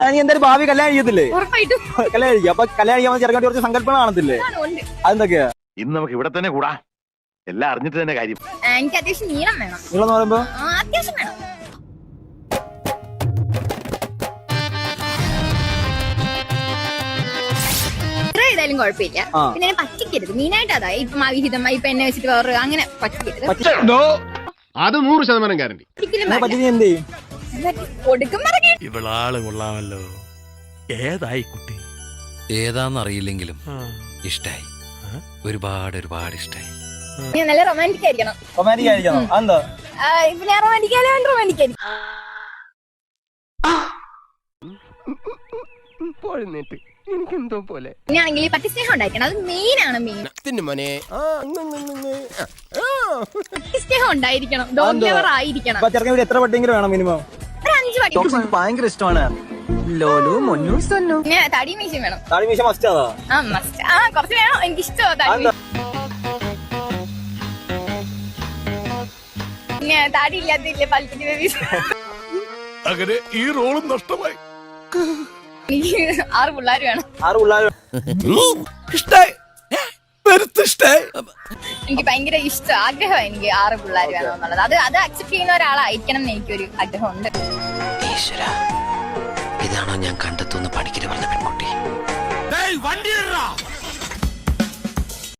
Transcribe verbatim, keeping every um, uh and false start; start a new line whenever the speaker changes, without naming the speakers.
നീ എന്തായാലും ഭാവി കല്യാണം ചെയ്യത്തില്ലേ?
ഉറപ്പായിട്ടും
കല്യാണം കഴിക്കും. അപ്പൊ കല്യാണം ചെയ്യാൻ ചെറുക്കാൻ കുറച്ച് സങ്കല്പങ്ങൾ കാണത്തില്ലേ? അതെന്തൊക്കെയാ?
ഇന്ന് നമുക്ക് ഇവിടെ തന്നെ കൂടാ, എല്ലാം അറിഞ്ഞിട്ട് തന്നെ കാര്യം.
എനിക്ക് അത്യാവശ്യം നീളം വേണം.
നിങ്ങളെന്ന് പറയുമ്പോ
അത്യാവശ്യം വേണം. ഏതായാലും കുഴപ്പമില്ല. പിന്നെ എന്നെ പറ്റിക്കരുത്. മെയിനായിട്ട് അതാ ഇപ്പം അവിഹിതമായി ഇപ്പൊ എന്നെ വെച്ചിട്ട് വേറെ അങ്ങനെ പറ്റിക്കരുത്.
അത് നൂറ് ശതമാനം ഗ്യാരണ്ടി.
ഇവളാള് കൊള്ളാമല്ലോ. ഏതായി കുട്ടി?
ഏതാന്നറിയില്ലെങ്കിലും ഇഷ്ടായി, ഒരുപാട് ഒരുപാട് ഇഷ്ടായി.
നല്ല റൊമാൻറ്റിക് ആയിരിക്കണം.
റൊമാൻറ്റിക് ആയിരിക്കണം. അതെന്താ?
ഇപ്പൊ ഞാൻ റൊമാൻറ്റിക് ആയാലും റൊമാൻറ്റിക് ആയിരിക്കും.
എനിക്കെന്തോ പോലെ
പിന്നെയാണെങ്കിൽ പട്ടി സ്നേഹം ഉണ്ടായിരിക്കണം. അത് മെയിൻ ആണ്. മെയിൻ പട്ടി സ്നേഹം ഉണ്ടായിരിക്കണം. ഡോഗ് ലവർ ആയിരിക്കണം.
ചെറുക്കൻ വീട് എത്ര പട്ടിയെങ്കിലും വേണം മിനിമം?
ഒരു അഞ്ച് പട്ടി.
ഭയങ്കര ഇഷ്ടമാണ് ലോലു മൊന്നു സന്നു.
പിന്നെ തടി മീശയും വേണം.
താടി മീശ മസ്റ്റ് അതാ?
ആ മസ്റ്റ്. ആ കുറച്ച് വേണം. എനിക്ക് ഇഷ്ടമാ തടി. പിന്നെ താടി ഇല്ലാത്തില്ലേ പൽപ്പിന്റെ ബേബി.
അങ്ങനെ ഈ റോളും നഷ്ടമായി.
എനിക്ക് ആറ് പിള്ളേർ വേണം.
ആറ് പിള്ളേർ.
എനിക്ക് ഭയങ്കര ഇഷ്ടം, ആഗ്രഹമാണ് എനിക്ക് ആറ് പിള്ളേർ വേണം എന്നുള്ളത്. അത് അത് അക്സെപ്റ്റ് ചെയ്യുന്ന ഒരാളായിരിക്കണം എന്ന് എനിക്കൊരു ആഗ്രഹമുണ്ട്.
ഈശ്വര, ഇതാണോ ഞാൻ കണ്ടെത്തുന്ന പണിക്കര് പറഞ്ഞ പെൺകുട്ടി?